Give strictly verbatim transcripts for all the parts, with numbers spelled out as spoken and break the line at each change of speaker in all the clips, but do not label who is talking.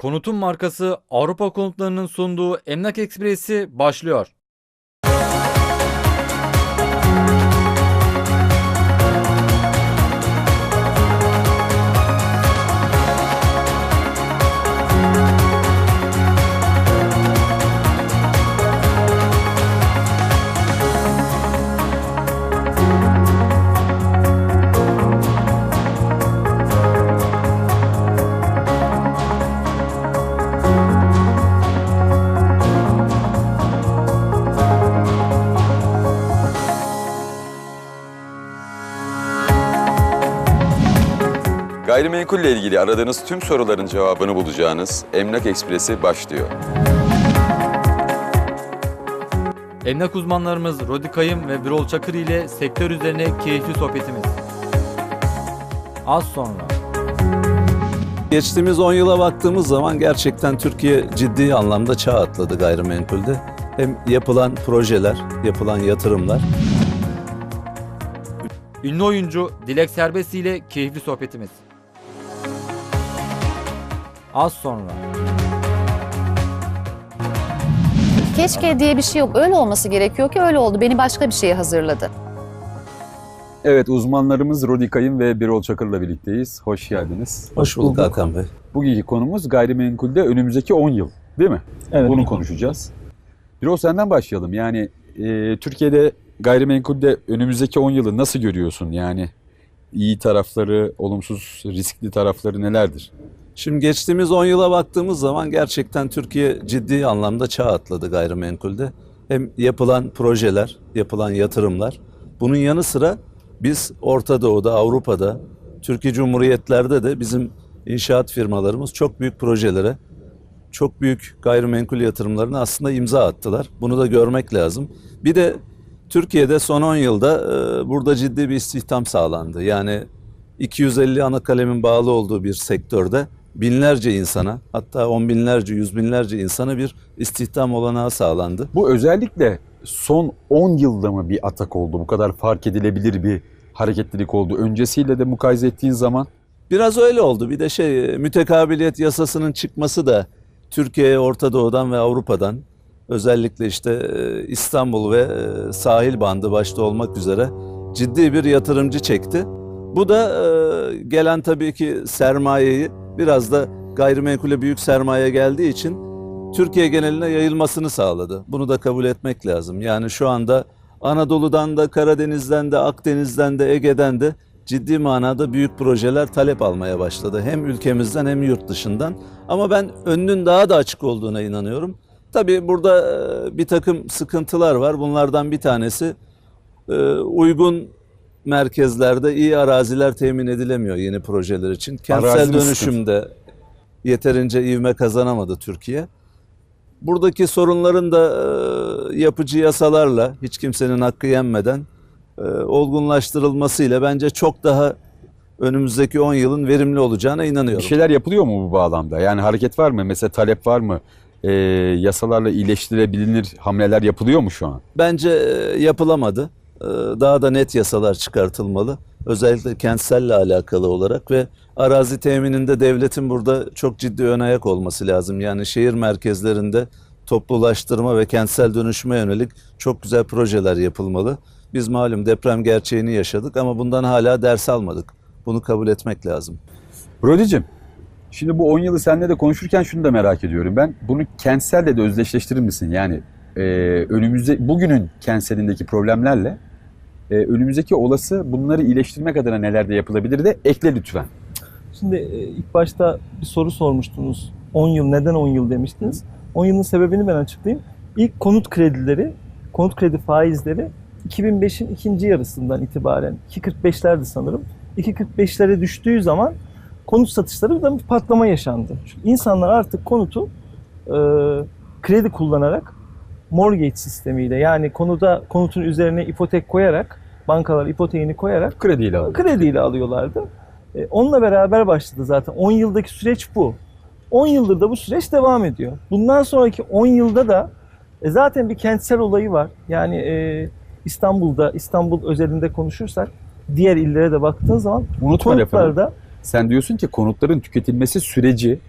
Konutun markası Avrupa Konutları'nın sunduğu Emlak Ekspresi başlıyor.
Gayrimenkulle ilgili aradığınız tüm soruların cevabını bulacağınız Emlak Ekspresi başlıyor.
Emlak uzmanlarımız Rodi Kayım ve Birol Çakır ile sektör üzerine keyifli sohbetimiz. Az sonra.
Geçtiğimiz on yıla baktığımız zaman gerçekten Türkiye ciddi anlamda çağ atladı gayrimenkulde. Hem yapılan projeler, yapılan yatırımlar.
Ünlü oyuncu Dilek Serbest ile keyifli sohbetimiz. Az sonra.
Keşke diye bir şey yok. Öyle olması gerekiyor ki öyle oldu. Beni başka bir şeye hazırladı.
Evet, uzmanlarımız Rodi Kayım ve Birol Çakır'la birlikteyiz. Hoş geldiniz.
Hoş bulduk Hakan Bey.
Bugünkü konumuz gayrimenkulde önümüzdeki on yıl, değil mi?
Evet.
Bunu konuşacağız. Birol, senden başlayalım. Yani e, Türkiye'de gayrimenkulde önümüzdeki on yılı nasıl görüyorsun? Yani iyi tarafları, olumsuz, riskli tarafları nelerdir?
Şimdi geçtiğimiz on yıla baktığımız zaman gerçekten Türkiye ciddi anlamda çağ atladı gayrimenkulde. Hem yapılan projeler, yapılan yatırımlar. Bunun yanı sıra biz Orta Doğu'da, Avrupa'da, Türkiye Cumhuriyetler'de de bizim inşaat firmalarımız çok büyük projelere, çok büyük gayrimenkul yatırımlarına aslında imza attılar. Bunu da görmek lazım. Bir de Türkiye'de son on yılda e, burada ciddi bir istihdam sağlandı. Yani iki yüz elli ana kalemin bağlı olduğu bir sektörde binlerce insana, hatta on binlerce, yüz binlerce insana bir istihdam olanağı sağlandı.
Bu özellikle son on yılda mı bir atak oldu? Bu kadar fark edilebilir bir hareketlilik oldu. Öncesiyle de mukayese ettiğin zaman?
Biraz öyle oldu. Bir de şey, mütekabiliyet yasasının çıkması da Türkiye'ye Orta Doğu'dan ve Avrupa'dan, özellikle işte İstanbul ve sahil bandı başta olmak üzere ciddi bir yatırımcı çekti. Bu da gelen tabii ki sermayeyi biraz da gayrimenkule büyük sermaye geldiği için Türkiye geneline yayılmasını sağladı. Bunu da kabul etmek lazım. Yani şu anda Anadolu'dan da, Karadeniz'den de, Akdeniz'den de, Ege'den de ciddi manada büyük projeler talep almaya başladı. Hem ülkemizden hem yurt dışından. Ama ben önünün daha da açık olduğuna inanıyorum. Tabii burada bir takım sıkıntılar var. Bunlardan bir tanesi uygun merkezlerde iyi araziler temin edilemiyor yeni projeler için. Kentsel
Arazinin
dönüşümde sıkıntı. Yeterince ivme kazanamadı Türkiye. Buradaki sorunların da e, yapıcı yasalarla hiç kimsenin hakkı yenmeden e, olgunlaştırılmasıyla bence çok daha önümüzdeki on yılın verimli olacağına inanıyorum.
Bir şeyler yapılıyor mu bu bağlamda? Yani hareket var mı? Mesela talep var mı? Ee, yasalarla iyileştirebilir hamleler yapılıyor mu şu an?
Bence e, yapılamadı. E, daha da net yasalar çıkartılmalı. Özellikle kentselle alakalı olarak ve arazi temininde devletin burada çok ciddi ön ayak olması lazım. Yani şehir merkezlerinde toplulaştırma ve kentsel dönüşüme yönelik çok güzel projeler yapılmalı. Biz malum deprem gerçeğini yaşadık ama bundan hala ders almadık. Bunu kabul etmek lazım.
Rodi'cim, şimdi bu on yılı seninle de konuşurken şunu da merak ediyorum. Ben bunu kentselle de özdeşleştirir misin? Yani e, önümüzde bugünün kentselindeki problemlerle e, önümüzdeki olası bunları iyileştirmek adına neler de yapılabilir de ekle lütfen.
Şimdi ilk başta bir soru sormuştunuz. on yıl, neden on yıl demiştiniz. on yılın sebebini ben açıklayayım. İlk konut kredileri, konut kredi faizleri iki bin beşin ikinci yarısından itibaren iki kırk beşlerdi sanırım. iki kırk beşlere düştüğü zaman konut satışları da bir patlama yaşandı. Çünkü insanlar artık konutu e, kredi kullanarak mortgage sistemiyle, yani konuda konutun üzerine ipotek koyarak, bankalar ipoteğini koyarak
Krediyle alıyor.
krediyle alıyorlardı. E, onunla beraber başladı zaten. on yıldaki süreç bu. on yıldır da bu süreç devam ediyor. Bundan sonraki on yılda da e, zaten bir kentsel olayı var. Yani e, İstanbul'da, İstanbul özelinde konuşursak diğer illere de baktığın zaman
Unutma lafını.
konutlarda
Sen diyorsun ki konutların tüketilmesi süreci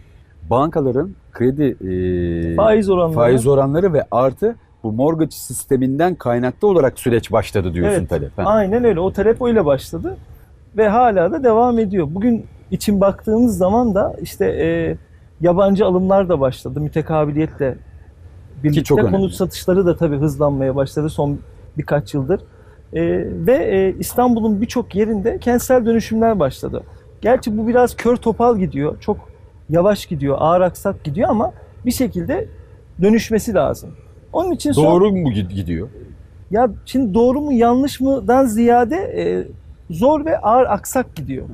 bankaların kredi e,
Faiz oranları.
faiz oranları ve artı bu mortgage sisteminden kaynaklı olarak süreç başladı diyorsun
Evet,
talep. Ha.
Aynen öyle. O talep öyle başladı ve hala da devam ediyor. Bugün için baktığımız zaman da işte e, yabancı alımlar da başladı. Mütekabiliyetle birlikte
çok önemli.
konut satışları da tabii hızlanmaya başladı son birkaç yıldır. E, ve e, İstanbul'un birçok yerinde kentsel dönüşümler başladı. Gerçi bu biraz kör topal gidiyor. Çok yavaş gidiyor, ağır aksak gidiyor ama bir şekilde dönüşmesi lazım. Onun için son-
Doğru mu gid- gidiyor?
ya şimdi doğru mu yanlış mıdan ziyade e, zor ve ağır aksak gidiyor.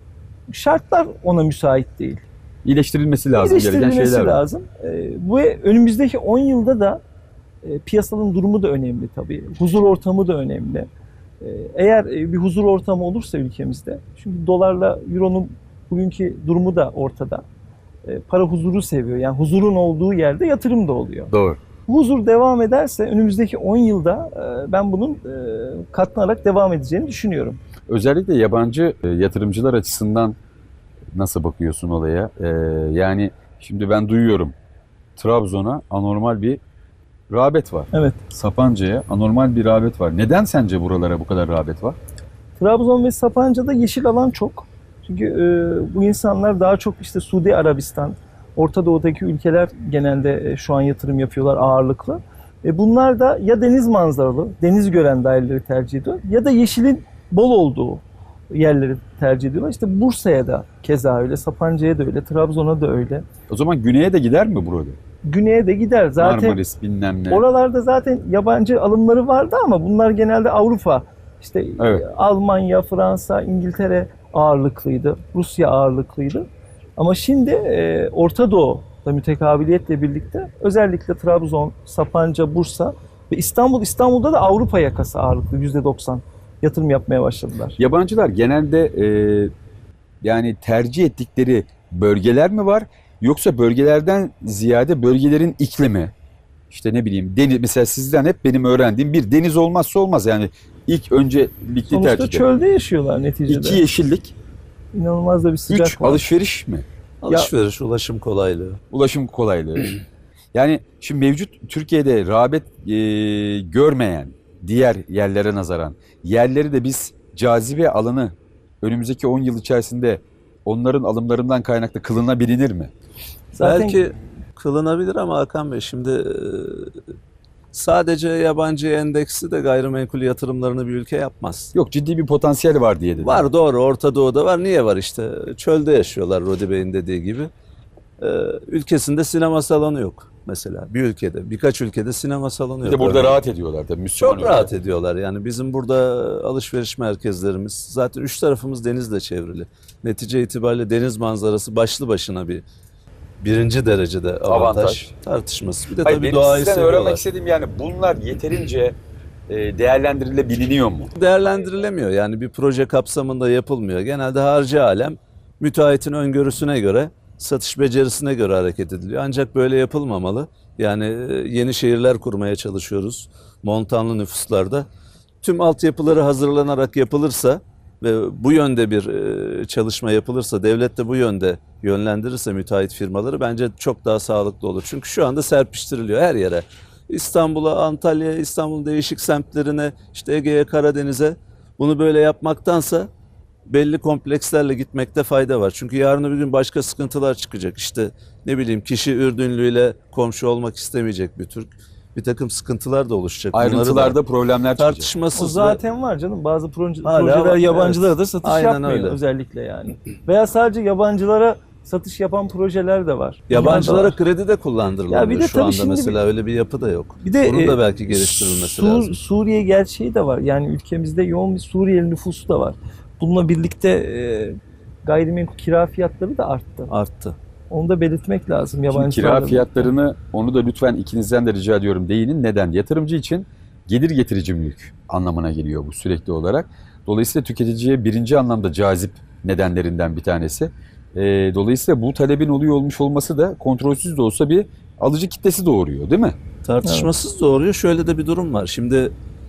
Şartlar ona müsait değil.
İyileştirilmesi lazım. Gereken
İyileştirilmesi
şeyler var.
lazım. E, bu önümüzdeki on yılda da e, piyasanın durumu da önemli tabii. Huzur ortamı da önemli. E, eğer e, bir huzur ortamı olursa ülkemizde, çünkü dolarla euronun bugünkü durumu da ortada. E, para huzuru seviyor. Yani huzurun olduğu yerde yatırım da oluyor.
Doğru.
Huzur devam ederse önümüzdeki on yılda e, ben bunun e, katlanarak devam edeceğini düşünüyorum.
Özellikle yabancı e, yatırımcılar açısından nasıl bakıyorsun olaya? E, yani şimdi ben duyuyorum Trabzon'a anormal bir rağbet var.
Evet.
Sapanca'ya anormal bir rağbet var. Neden sence buralara bu kadar rağbet var?
Trabzon ve Sapanca'da yeşil alan çok. Çünkü e, bu insanlar daha çok işte Suudi Arabistan, Orta Doğu'daki ülkeler genelde e, şu an yatırım yapıyorlar ağırlıklı. E, bunlar da ya deniz manzaralı, deniz gören daireleri tercih ediyor ya da yeşilin bol olduğu yerleri tercih ediyorlar. İşte Bursa'ya da keza öyle, Sapanca'ya da öyle, Trabzon'a da öyle.
O zaman güneye de gider mi burada?
Güney'e de gider. Zaten
Marmaris bilmem ne.
oralarda zaten yabancı alımları vardı ama bunlar genelde Avrupa, işte
Evet.
e, Almanya, Fransa, İngiltere ağırlıklıydı, Rusya ağırlıklıydı. Ama şimdi e, Orta Doğu'da mütekabiliyetle birlikte özellikle Trabzon, Sapanca, Bursa ve İstanbul, İstanbul'da da Avrupa yakası ağırlıklı yüzde doksan yatırım yapmaya başladılar.
Yabancılar genelde e, yani tercih ettikleri bölgeler mi var? Yoksa bölgelerden ziyade bölgelerin iklimi, işte ne bileyim deniz, mesela sizden hep benim öğrendiğim bir deniz olmazsa olmaz yani ilk öncelikli
Sonuçta
tercih.
çölde yaşıyorlar neticede.
İki yeşillik,
İnanılmaz da bir sıcak
üç
var.
alışveriş mi?
Alışveriş, ulaşım kolaylığı.
Ulaşım kolaylığı. Yani şimdi mevcut Türkiye'de rağbet e, görmeyen diğer yerlere nazaran yerleri de biz cazibe alanı önümüzdeki on yıl içerisinde onların alımlarından kaynaklı kılınabilir mi?
Zaten
Belki kılınabilir ama Hakan Bey şimdi e, sadece yabancı endeksi de gayrimenkul yatırımlarını bir ülke yapmaz.
Yok, ciddi bir potansiyel var diye dedim.
Var, doğru, Orta Doğu'da var. Niye var işte? Çölde yaşıyorlar Rodi Bey'in dediği gibi. Ee, ülkesinde sinema salonu yok mesela. Bir ülkede, birkaç ülkede sinema salonu
Bir
yok.
de burada
Örneğin.
rahat ediyorlar tabii. Müslüman
Çok
ülke.
rahat ediyorlar. Yani bizim burada alışveriş merkezlerimiz, zaten üç tarafımız denizle çevrili. Netice itibariyle deniz manzarası başlı başına bir birinci derecede avantaj,
Avantaj.
tartışması. Bir de
Hayır,
tabii
benim
doğayı
sizden
seviyorlar.
öğrenmek istediğim yani bunlar yeterince e, değerlendirilebiliyor mu?
Değerlendirilemiyor. Yani bir proje kapsamında yapılmıyor. Genelde harcı alem müteahhitin öngörüsüne göre, satış becerisine göre hareket ediliyor. Ancak böyle yapılmamalı. Yani e, yeni şehirler kurmaya çalışıyoruz montanlı nüfuslarda. Tüm altyapıları hazırlanarak yapılırsa ve bu yönde bir e, çalışma yapılırsa, devlet de bu yönde yönlendirirse müteahhit firmaları bence çok daha sağlıklı olur. Çünkü şu anda serpiştiriliyor her yere. İstanbul'a, Antalya'ya, İstanbul'un değişik semtlerine, işte Ege'ye, Karadeniz'e bunu böyle yapmaktansa belli komplekslerle gitmekte fayda var. Çünkü yarın öbür gün başka sıkıntılar çıkacak. İşte ne bileyim kişi Ürdünlüyle komşu olmak istemeyecek bir Türk. Bir takım sıkıntılar da oluşacak. Bunları da
Ayrıntılarda problemler çıkacak.
o
tartışmasız ve-
zaten var canım. Bazı proje,
Hala
projeler
var,
yabancılara
evet.
da satış
Aynen
yapmıyor
öyle.
özellikle yani. Veya sadece yabancılara satış yapan projeler de var. Bunlar da
Yabancılara
var.
kredi de kullandırılamıyor
Ya bir de
şu
tabii
anda
şimdi
mesela öyle bir yapı da yok.
Bir de
Bunun
e,
da belki geliştirilmesi
Sur-
lazım.
Suriye gerçeği de var. Yani ülkemizde yoğun bir Suriyeli nüfusu da var. Bununla birlikte e, gayrimenkul kira fiyatları da arttı.
Arttı.
Onu da belirtmek lazım
Şimdi
yabancılarla
kira
birlikte.
fiyatlarını onu da lütfen ikinizden de rica ediyorum değinin. Neden? Yatırımcı için gelir getirici mülk anlamına geliyor bu sürekli olarak. Dolayısıyla tüketiciye birinci anlamda cazip nedenlerinden bir tanesi. Ee, dolayısıyla bu talebin oluyor olmuş olması da kontrolsüz de olsa bir alıcı kitlesi doğuruyor değil mi?
Tartışmasız doğruyor. Şöyle de bir durum var. Şimdi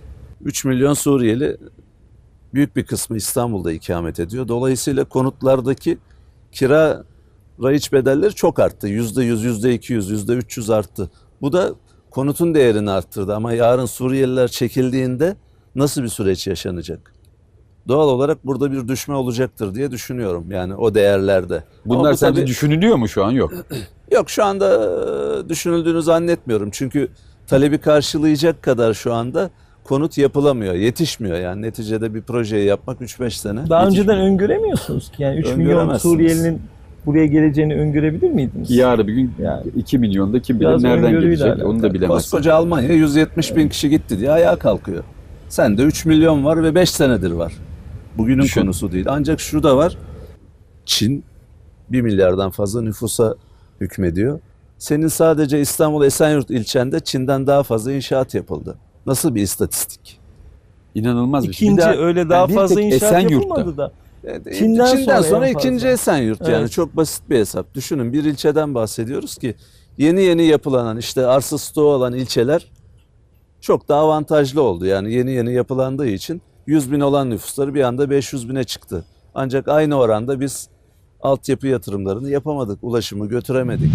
üç milyon Suriyeli büyük bir kısmı İstanbul'da ikamet ediyor. Dolayısıyla konutlardaki kira Raiç bedelleri çok arttı. yüzde yüz, yüzde iki yüz, yüzde üç yüz arttı. Bu da konutun değerini arttırdı. Ama yarın Suriyeliler çekildiğinde nasıl bir süreç yaşanacak? Doğal olarak burada bir düşme olacaktır diye düşünüyorum. Yani o değerlerde. Ama
Bunlar
bu
sence
tabii-
düşünülüyor mu şu an? Yok.
Yok, şu anda e, düşünüldüğünü zannetmiyorum. Çünkü talebi karşılayacak kadar şu anda konut yapılamıyor, yetişmiyor. Yani neticede bir projeyi yapmak üç beş sene.
Daha
yetişmiyor.
önceden öngöremiyorsunuz ki. Yani üç milyon
Öngöremezsiniz.
Suriyelinin buraya geleceğini öngörebilir miydiniz?
Yarın bir gün
Yani.
iki milyonda kim bilir
Biraz
nereden
öngörüyle
gelecek
alakalı.
onu da bilemezsin.
Koskoca Almanya yüz yetmiş bin kişi gitti diye ayağa kalkıyor. Sende üç milyon var ve beş senedir var. Bugünün
Düşün.
konusu değil. Ancak şu da var. Çin bir milyardan fazla nüfusa hükmediyor. Senin sadece İstanbul Esenyurt ilçende Çin'den daha fazla inşaat yapıldı. Nasıl bir istatistik?
İnanılmaz bir şey. Bir
İkinci
daha-
öyle daha
bir
fazla
tek
inşaat
Esenyurt'ta.
yapılmadı da.
E,
Çin'den
Çin'den,
sonra
sonra,
en fazla.
ikinci Esenyurt yani
Evet.
çok basit bir hesap. Düşünün, bir ilçeden bahsediyoruz ki yeni yeni yapılanan, işte arsa stoğu olan ilçeler çok daha avantajlı oldu. Yani yeni yeni yapılandığı için yüz bin olan nüfusları bir anda beş yüz bine çıktı. Ancak aynı oranda biz altyapı yatırımlarını yapamadık, ulaşımı götüremedik.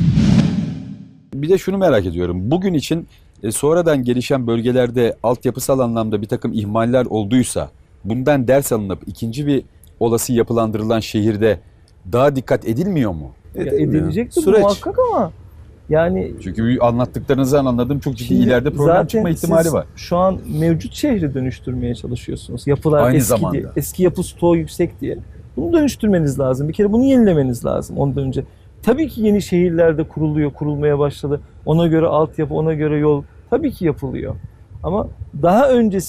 Bir de şunu merak ediyorum. Bugün için e, sonradan gelişen bölgelerde altyapısal anlamda bir takım ihmaller olduysa bundan ders alınıp ikinci bir olası yapılandırılan şehirde daha dikkat edilmiyor mu?
Ya
Edilmiyor.
edilecektir
Süreç.
muhakkak ama yani
Çünkü anlattıklarınızdan anladığım çok ciddi
şimdi
ileride problem
zaten
çıkma ihtimali
siz
var.
şu an mevcut şehri dönüştürmeye çalışıyorsunuz. Yapılar
Aynı
eski
zamanda.
diye, eski yapı stoğu yüksek diye. Bunu dönüştürmeniz lazım. Bir kere bunu yenilemeniz lazım ondan önce. Tabii ki yeni şehirlerde kuruluyor, kurulmaya başladı. Ona göre altyapı, ona göre yol tabii ki yapılıyor. Ama daha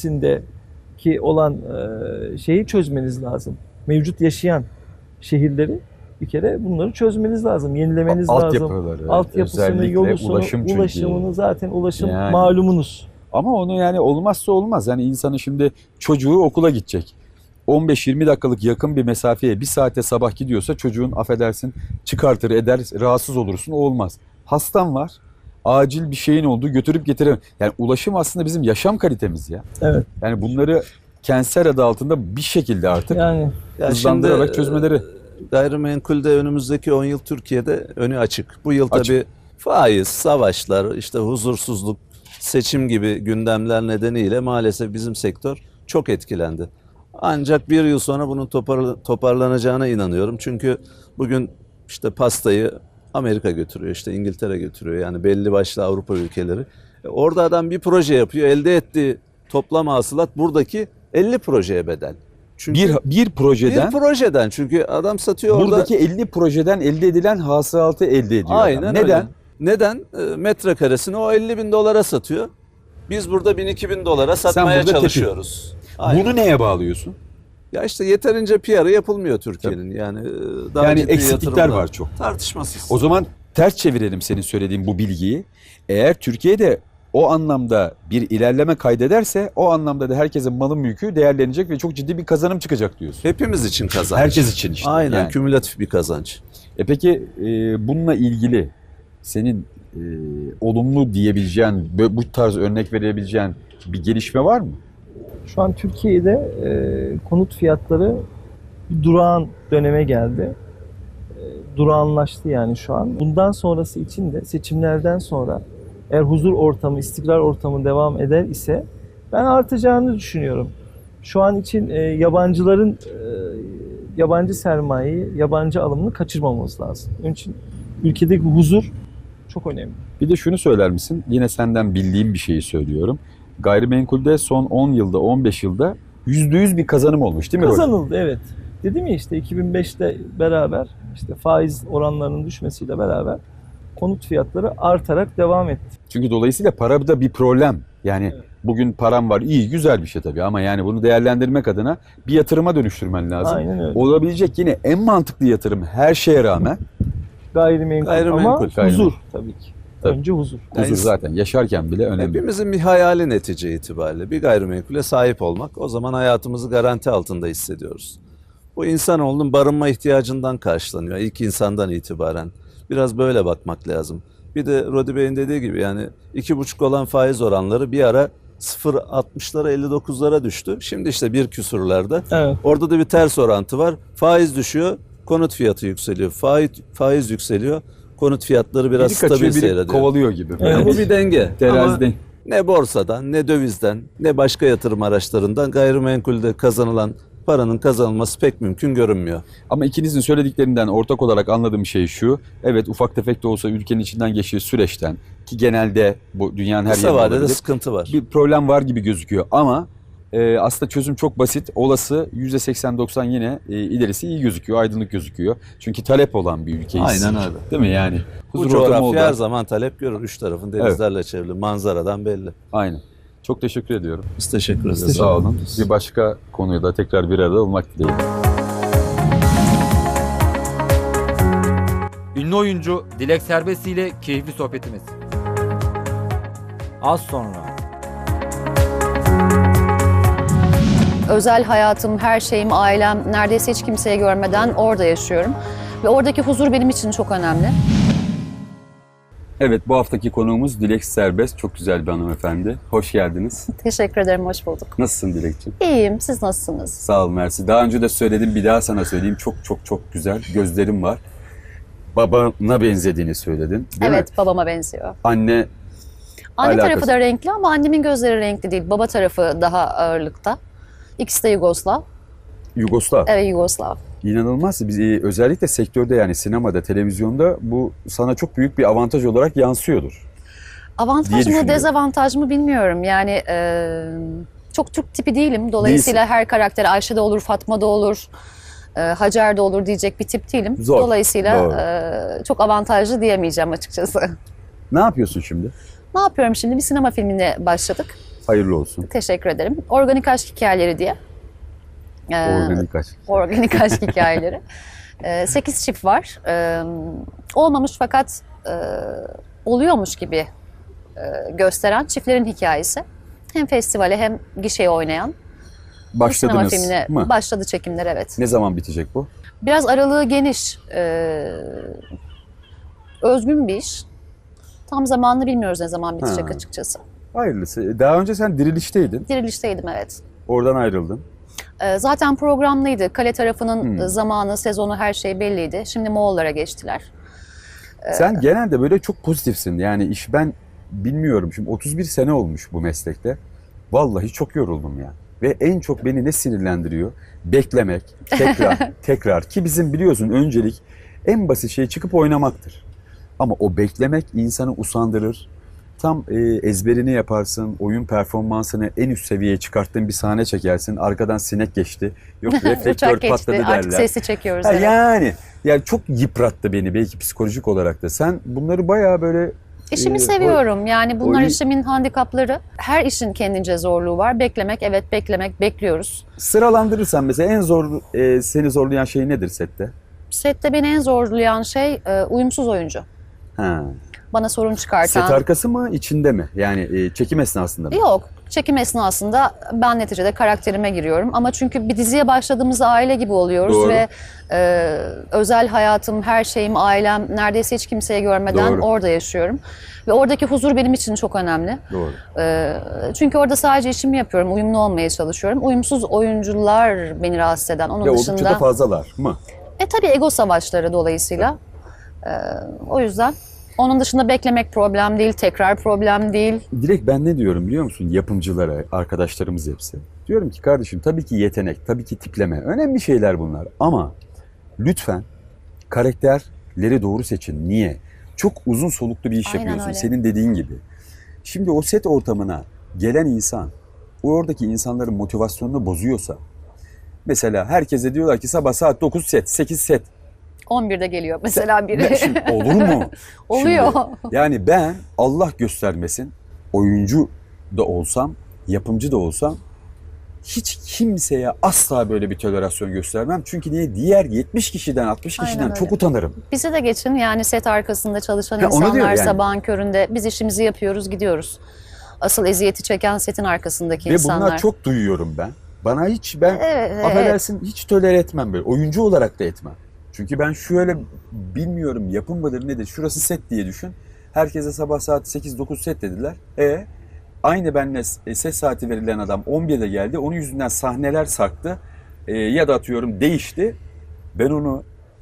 öncesindeki olan e, şeyi çözmeniz lazım. Mevcut yaşayan şehirleri bir kere bunları çözmeniz lazım, yenilemeniz lazım.
Altyapıları,
Altyapısını,
özellikle
yolusunu,
ulaşım çünkü.
ulaşımını zaten ulaşım
Yani.
malumunuz.
Ama onu yani olmazsa olmaz. Yani insanın şimdi çocuğu okula gidecek. on beş yirmi dakikalık yakın bir mesafeye bir saate sabah gidiyorsa çocuğun affedersin çıkartır eder rahatsız olursun, o olmaz. Hastan var, acil bir şeyin olduğu, götürüp getiremem. Yani ulaşım aslında bizim yaşam kalitemiz ya.
Evet.
Yani bunları kentsel adı altında bir şekilde artık
Yani
Ya
hızlandırarak
şimdi,
çözmeleri.
e, Gayrimenkulde önümüzdeki on yıl Türkiye'de önü açık. Bu yıl
Açık.
tabii faiz, savaşlar, işte huzursuzluk, seçim gibi gündemler nedeniyle maalesef bizim sektör çok etkilendi. Ancak bir yıl sonra bunun topar, toparlanacağına inanıyorum. Çünkü bugün işte pastayı Amerika götürüyor, işte İngiltere götürüyor. Yani belli başlı Avrupa ülkeleri. E, orada adam bir proje yapıyor, elde ettiği toplam hasılat buradaki elli projeye bedel. Çünkü
Bir, bir projeden
bir projeden, çünkü adam satıyor orada.
buradaki elli projeden elde edilen hasılatı elde ediyor.
Aynen
adam.
öyle.
Neden?
Neden? E, metrekaresini o elli bin dolara satıyor. Biz burada bin iki bin dolara satmaya
burada tepki.
çalışıyoruz. Aynen.
Bunu neye bağlıyorsun?
Ya işte yeterince P R'ı yapılmıyor Türkiye'nin. Yani e, daha
Yani
ciddi
eksiklikler
yatırımlar.
var çok.
Tartışmasız.
O zaman ters çevirelim senin söylediğin bu bilgiyi. Eğer Türkiye'de o anlamda bir ilerleme kaydederse o anlamda da herkesin malı mülkü değerlenecek ve çok ciddi bir kazanım çıkacak diyorsun.
Hepimiz için kazanç.
Herkes için işte.
Aynen,
yani.
kümülatif bir kazanç.
E peki e, bununla ilgili senin e, olumlu diyebileceğin, bö- bu tarz örnek verebileceğin bir gelişme var mı?
şu an Türkiye'de e, konut fiyatları bir durağan döneme geldi. E, durağanlaştı yani şu an. Bundan sonrası için de seçimlerden sonra eğer huzur ortamı, istikrar ortamı devam eder ise ben artacağını düşünüyorum. Şu an için e, yabancıların e, yabancı sermayeyi, yabancı alımını kaçırmamamız lazım. Onun için ülkedeki huzur çok önemli.
Bir de şunu söyler misin? Yine senden bildiğim bir şeyi söylüyorum. Gayrimenkulde son on yılda, on beş yılda yüzde yüz bir kazanım olmuş değil mi? Roland?
Kazanıldı, evet. Dedim ya işte iki bin beşte beraber işte faiz oranlarının düşmesiyle beraber konut fiyatları artarak devam etti.
Çünkü dolayısıyla para da bir problem. Yani
Evet.
bugün param var, iyi, güzel bir şey tabii ama yani bunu değerlendirmek adına bir yatırıma dönüştürmen lazım.
Aynen öyle.
Olabilecek yine en mantıklı yatırım her şeye rağmen
Gayrimenkul,
Gayrimenkul,
ama
gayrimenkul.
huzur tabii ki.
Tabii.
Önce huzur.
huzur
Yani-
zaten yaşarken bile önemli.
Hepimizin bir hayali netice itibariyle. Bir gayrimenkule sahip olmak. O zaman hayatımızı garanti altında hissediyoruz. Bu insanoğlunun barınma ihtiyacından karşılanıyor ilk insandan itibaren. Biraz böyle bakmak lazım. Bir de Rodi Bey'in dediği gibi yani iki buçuk olan faiz oranları bir ara sıfır virgül altmışlara elli dokuzlara düştü. Şimdi işte bir küsurlarda.
Evet.
Orada da bir ters orantı var. Faiz düşüyor, konut fiyatı yükseliyor. Faiz, faiz yükseliyor. Konut fiyatları biraz
Biri kaçıyor,
stabil
biri
seyrediyor.
kovalıyor gibi.
Yani bu bir denge. Ama
Teraziden.
ne borsadan, ne dövizden, ne başka yatırım araçlarından gayrimenkulde kazanılan paranın kazanılması pek mümkün görünmüyor.
Ama ikinizin söylediklerinden ortak olarak anladığım şey şu. Evet, ufak tefek de olsa ülkenin içinden geçtiği süreçten, ki genelde bu dünyanın her
Kısa
yerinde
vadede
olabilir,
sıkıntı var.
bir problem var gibi gözüküyor. Ama e, aslında çözüm çok basit. Olası yüzde seksen doksan yine e, ilerisi iyi gözüküyor, aydınlık gözüküyor. Çünkü talep olan bir ülkeyiz.
Aynen öyle.
Değil mi yani?
Bu
Huzur ortamı oldu.
coğrafya her zaman talep görür. Üç tarafın denizlerle çevrili. Manzaradan belli.
Aynen. Çok teşekkür ediyorum.
Biz teşekkür ederiz.
Sağ olun. Bir başka konuya da tekrar bir arada olmak dileğiyle.
Ünlü oyuncu Dilek Serbest ile keyifli sohbetimiz. Az sonra.
Özel hayatım, her şeyim, ailem neredeyse hiç kimseye görmeden orada yaşıyorum. Ve oradaki huzur benim için çok önemli.
Evet, bu haftaki konuğumuz Dilek Serbest. Çok güzel bir hanımefendi. Hoş geldiniz.
Teşekkür ederim, hoş bulduk.
Nasılsın Dilekciğim?
İyiyim, siz nasılsınız?
Sağ ol Mersi. Daha önce de söyledim, bir daha sana söyleyeyim. Çok çok çok güzel gözlerim var. Babana benzediğini söyledin, değil
Evet,
mi?
babama benziyor.
Anne
Anne
Alakası.
tarafı da renkli ama annemin gözleri renkli değil. Baba tarafı daha ağırlıkta. İkisi de Yugoslav.
Yugoslav.
Evet, Yugoslav.
İnanılmaz. Biz e, özellikle sektörde, yani sinemada, televizyonda bu sana çok büyük bir avantaj olarak yansıyordur. diye
Avantaj mı,
düşünüyorum.
dezavantaj mı bilmiyorum. Yani e, çok Türk tipi değilim. Dolayısıyla her karakter Ayşe de olur, Fatma da olur, e, Hacer de olur diyecek bir tip değilim.
Zor,
Dolayısıyla
doğru.
e, çok avantajlı diyemeyeceğim açıkçası.
Ne yapıyorsun şimdi?
Ne yapıyorum şimdi? Bir sinema filmine başladık.
Hayırlı olsun.
Teşekkür ederim. Organik Aşk Hikayeleri diye. E,
Organik aşk.
Organik Aşk Hikayeleri. E, sekiz çift var. E, olmamış fakat e, oluyormuş gibi e, gösteren çiftlerin hikayesi. Hem festivale hem gişeye oynayan bir sinema
Başladınız
filmine
mı?
başladı çekimler, evet.
Ne zaman bitecek bu?
Biraz aralığı geniş. E, özgün bir iş. Tam zamanını bilmiyoruz ne zaman bitecek
Ha.
açıkçası.
Hayırlısı. Daha önce sen Diriliş'teydin.
Dirilişteydim, evet.
Oradan ayrıldın.
E, zaten programlıydı. Kale tarafının
Hmm.
zamanı, sezonu, her şey belliydi. Şimdi Moğollara geçtiler.
Sen genelde böyle çok pozitifsin. Yani iş, ben bilmiyorum. Şimdi otuz bir sene olmuş bu meslekte. Vallahi çok yoruldum ya. Ve en çok beni ne sinirlendiriyor? Beklemek, tekrar, tekrar. Ki bizim biliyorsun öncelik en basit şey çıkıp oynamaktır. Ama o beklemek insanı usandırır. Tam e, ezberini yaparsın, oyun performansını en üst seviyeye çıkarttığın bir sahne çekersin. Arkadan sinek geçti, yok reflektör
Uçak geçti,
patladı derler.
artık sesi çekiyoruz.
Ha,
evet.
yani, yani çok yıprattı beni belki psikolojik olarak da. Sen bunları bayağı böyle...
İşimi
e,
seviyorum. Yani bunlar
oyun-
işimin handikapları. Her işin kendince zorluğu var. Beklemek, evet beklemek, bekliyoruz.
Sıralandırırsan mesela en zor, e, seni zorlayan şey nedir sette?
Sette beni en zorlayan şey e, uyumsuz oyuncu.
Ha.
Bana sorun çıkartan.
Set arkası mı, içinde mi? Yani e, çekim esnasında mı?
Yok. Çekim esnasında ben neticede karakterime giriyorum. Ama çünkü bir diziye başladığımızda aile gibi oluyoruz
Doğru.
ve e, özel hayatım, her şeyim, ailem neredeyse hiç kimseye görmeden
Doğru.
orada yaşıyorum. Ve oradaki huzur benim için çok önemli.
Doğru.
E, çünkü orada sadece işimi yapıyorum, uyumlu olmaya çalışıyorum. Uyumsuz oyuncular beni rahatsız eden. Onun
Ve oldukça
dışında
da fazlalar mı?
e tabii ego savaşları dolayısıyla. E, o yüzden onun dışında beklemek problem değil, tekrar problem değil.
Direkt ben ne diyorum biliyor musun? Yapımcılara, arkadaşlarımız hepsi. Diyorum ki kardeşim, tabii ki yetenek, tabii ki tipleme. Önemli şeyler bunlar. Ama lütfen karakterleri doğru seçin. Niye? Çok uzun soluklu bir iş
Aynen
yapıyorsun.
öyle.
Senin dediğin gibi. Şimdi o set ortamına gelen insan, o oradaki insanların motivasyonunu bozuyorsa, mesela herkese diyorlar ki sabah saat dokuz set, sekiz set.
on birde geliyor mesela biri.
Ben- Şimdi olur mu?
Oluyor.
Şimdi, yani ben Allah göstermesin, oyuncu da olsam, yapımcı da olsam hiç kimseye asla böyle bir tolerasyon göstermem. Çünkü niye? Diğer yetmiş kişiden, altmış
Aynen
kişiden
öyle.
çok utanırım.
Bize de geçin, yani set arkasında çalışan
Ha, onu
insanlar
diyor yani.
sabahın köründe biz işimizi yapıyoruz, gidiyoruz. Asıl eziyeti çeken setin arkasındaki
Ve
insanlar.
bunlar çok duyuyorum ben. Bana hiç, ben
Evet, evet.
affedersin, hiç tolere etmem böyle. Oyuncu olarak da etmem. Çünkü ben şöyle, bilmiyorum yapım mıdır nedir, şurası set diye düşün. Herkese sabah saat sekiz dokuz set dediler. E aynı benimle ses saati verilen adam on birde geldi. Onun yüzünden sahneler sarktı. E, ya da atıyorum değişti. Ben onu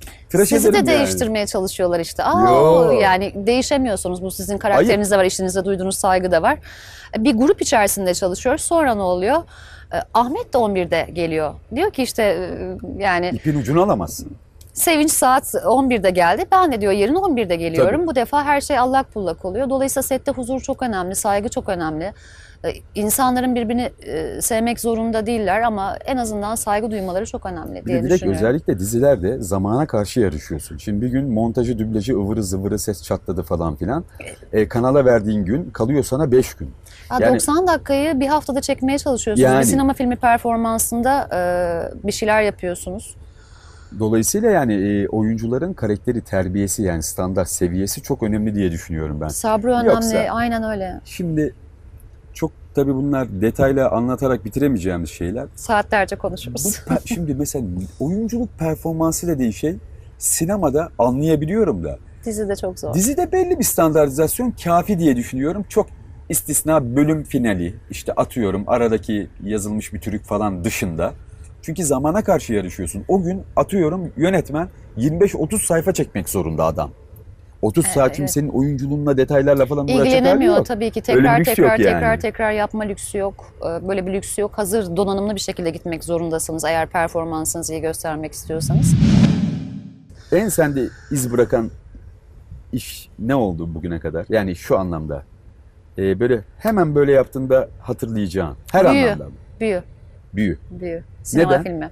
Tıraş
Sizi de
ederim yani.
değiştirmeye çalışıyorlar işte. Aa,
Yo.
yani değişemiyorsunuz. Bu sizin karakterinizde var, işinize duyduğunuz saygı da var. Bir grup içerisinde çalışıyoruz. Sonra ne oluyor? Ee, Ahmet de on birde geliyor. Diyor ki işte e, yani
İpin ucunu alamazsın.
Sevinç saat on birde geldi. Ben de diyor yarın on birde geliyorum.
Tabii.
Bu defa her şey allak bullak oluyor. Dolayısıyla sette huzur çok önemli, saygı çok önemli. Ee, İnsanların birbirini e, sevmek zorunda değiller ama en azından saygı duymaları çok önemli
Bir
diye
de direkt
düşünüyorum.
özellikle dizilerde zamana karşı yarışıyorsun. Şimdi bir gün montajı, dublajı, ıvırı zıvırı ses çatladı falan filan. E, kanala verdiğin gün kalıyor sana beş gün.
Ha,
Yani-
doksan dakikayı bir haftada çekmeye çalışıyorsunuz.
Yani-
Bir sinema filmi performansında e, bir şeyler yapıyorsunuz.
Dolayısıyla yani e, oyuncuların karakteri, terbiyesi yani standart seviyesi çok önemli diye düşünüyorum ben.
Sabrı önemli,
Yoksa-
aynen öyle.
Şimdi çok tabii bunlar detayla anlatarak bitiremeyeceğimiz şeyler.
Saatlerce
Bu
konuşuruz.
pe- şimdi mesela oyunculuk performansı dediğin şey sinemada anlayabiliyorum da
Dizi de çok zor.
dizide belli bir standartizasyon kafi diye düşünüyorum. Çok istisna bölüm finali işte atıyorum aradaki yazılmış bir türük falan dışında. Çünkü zamana karşı yarışıyorsun. O gün atıyorum yönetmen yirmi beş otuz sayfa çekmek zorunda adam. otuz saat
Evet.
şimdi senin oyunculuğunla detaylarla falan uğraşacak hali
İlgilenemiyor
yok.
tabii ki.
Öyle bir
Tekrar
lüks
tekrar
yok yani.
tekrar tekrar yapma lüksü yok. Ee, Böyle bir lüksü yok. Hazır donanımlı bir şekilde gitmek zorundasınız eğer performansınızı iyi göstermek istiyorsanız.
En sende iz bırakan iş ne oldu bugüne kadar? Yani şu anlamda. Ee, böyle hemen böyle yaptığında hatırlayacağın. Her
Büyü.
anlamda.
Büyü,
Büyü.
büyü. Sinema
Neden?
filmi.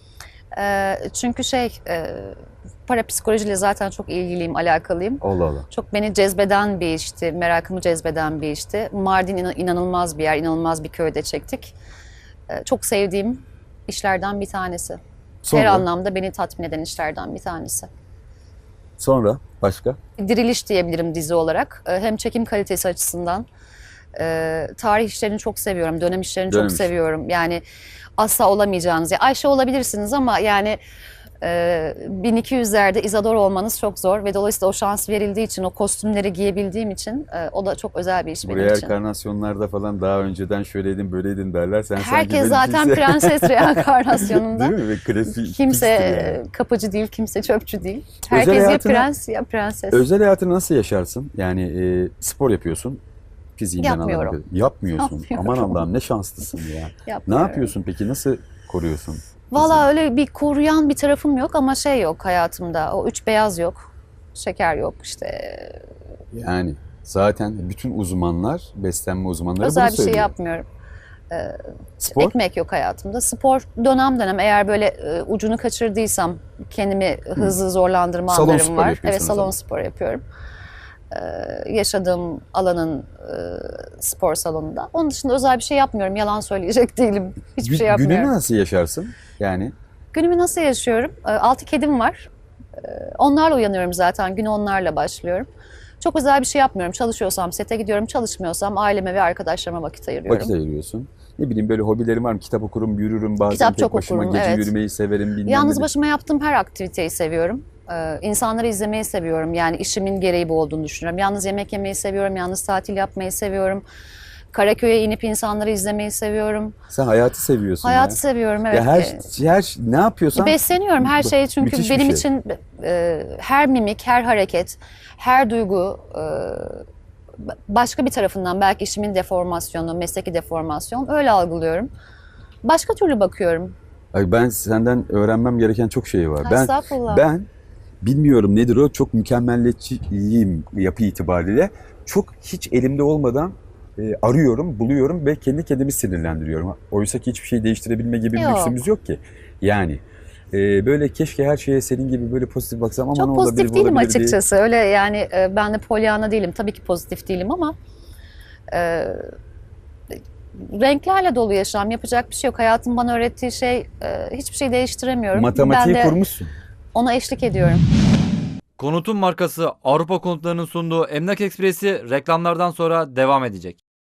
Ee, çünkü şey, e, parapsikolojiyle zaten çok ilgiliyim, alakalıyım.
Allah Allah.
Çok beni cezbeden bir işti, merakımı cezbeden bir işti. Mardin inan- inanılmaz bir yer, inanılmaz bir köyde çektik. Ee, çok sevdiğim işlerden bir tanesi.
Sonra,
Her anlamda beni tatmin eden işlerden bir tanesi.
sonra başka?
Diriliş diyebilirim dizi olarak. Ee, Hem çekim kalitesi açısından. e, Tarih işlerini çok seviyorum, dönem işlerini
Dönem
çok
işi.
seviyorum. Yani asla olamayacağınız. Ya Ayşe olabilirsiniz ama yani e, bin iki yüzlerde İzador olmanız çok zor. Ve dolayısıyla o şans verildiği için, o kostümleri giyebildiğim için e, o da çok özel bir iş benim
Buraya
için.
enkarnasyonlarda falan daha önceden şöyleydin böyleydin derler. Sen sanki
Herkes
böyle
zaten
kimse-
prenses reenkarnasyonunda.
Değil mi? Ve klasik
Kimse
yani.
kapıcı değil, kimse çöpçü değil.
Özel
Herkes ya
hayatına-
prens ya prenses.
Özel hayatını nasıl yaşarsın? Yani e, spor yapıyorsun. Fiziğinden
Yapmıyorum.
anladığım kadarıyla. Yapmıyorsun.
Yapmıyorum.
Aman Allah'ım ne şanslısın ya. Ne
Yapmıyorum.
yapıyorsun peki? Nasıl koruyorsun?
Valla öyle bir koruyan bir tarafım yok ama şey yok hayatımda. O üç beyaz yok. Şeker yok işte.
Yani zaten bütün uzmanlar, beslenme uzmanları
Özel
bunu
bir şey
söylüyor.
yapmıyorum.
Spor?
Ekmek yok hayatımda. Spor dönem dönem eğer böyle e, ucunu kaçırdıysam kendimi hızlı zorlandırma
Salon
anlarım
sporu
var.
yapıyorsun
Evet
o
salon
zaman.
spor yapıyorum. Ee, yaşadığım alanın e, spor salonunda. Onun dışında özel bir şey yapmıyorum. Yalan söyleyecek değilim. Hiçbir
Gü-
şey yapmıyorum.
Gününü nasıl yaşarsın? Yani
Günümü nasıl yaşıyorum? Ee, Altı kedim var. Ee, Onlarla uyanıyorum zaten. Günü onlarla başlıyorum. Çok özel bir şey yapmıyorum. Çalışıyorsam sete gidiyorum. Çalışmıyorsam aileme ve arkadaşlarıma vakit ayırıyorum.
vakit ayırıyorsun. Ne bileyim böyle hobilerim var mı? Kitap okurum, yürürüm bazen
Kitap
tek
çok
başıma.
okurum,
Gece
evet.
yürümeyi severim. Bilmem
Yalnız
ne.
başıma yaptığım her aktiviteyi seviyorum. Ee, insanları izlemeyi seviyorum. Yani işimin gereği bu olduğunu düşünüyorum. Yalnız yemek yemeyi seviyorum. Yalnız tatil yapmayı seviyorum. Karaköy'e inip insanları izlemeyi seviyorum.
Sen hayatı seviyorsun
Hayatı
ya.
seviyorum, evet.
Ya her,
Ee,
her ne yapıyorsan
Besleniyorum her şeyi çünkü
müthiş bir
benim
şey.
için e, her mimik, her hareket, her duygu e, başka bir tarafından belki işimin deformasyonu, mesleki deformasyon öyle algılıyorum. Başka türlü bakıyorum.
Ay ben senden öğrenmem gereken çok şey var. Ben
Estağfurullah.
ben bilmiyorum nedir o, çok mükemmeliyetçiyim yapı itibariyle. Çok hiç elimde olmadan e, arıyorum, buluyorum ve kendi kendimi sinirlendiriyorum. Oysa ki hiçbir şey değiştirebilme gibi bir
Yok.
lüksümüz yok ki. Yani e, böyle keşke her şeye senin gibi böyle pozitif baksam ama
Çok
ne olabilir,
pozitif
bu
değilim
olabilir diye.
açıkçası. Öyle yani e, ben de Pollyanna değilim. Tabii ki pozitif değilim ama e, renklerle dolu yaşam. Yapacak bir şey yok. Hayatın bana öğrettiği şey e, hiçbir şey değiştiremiyorum.
Matematiği
ben de
kurmuşsun.
ona eşlik ediyorum.
Konutun markası Avrupa Konutları'nın sunduğu Emlak Ekspresi reklamlardan sonra devam edecek.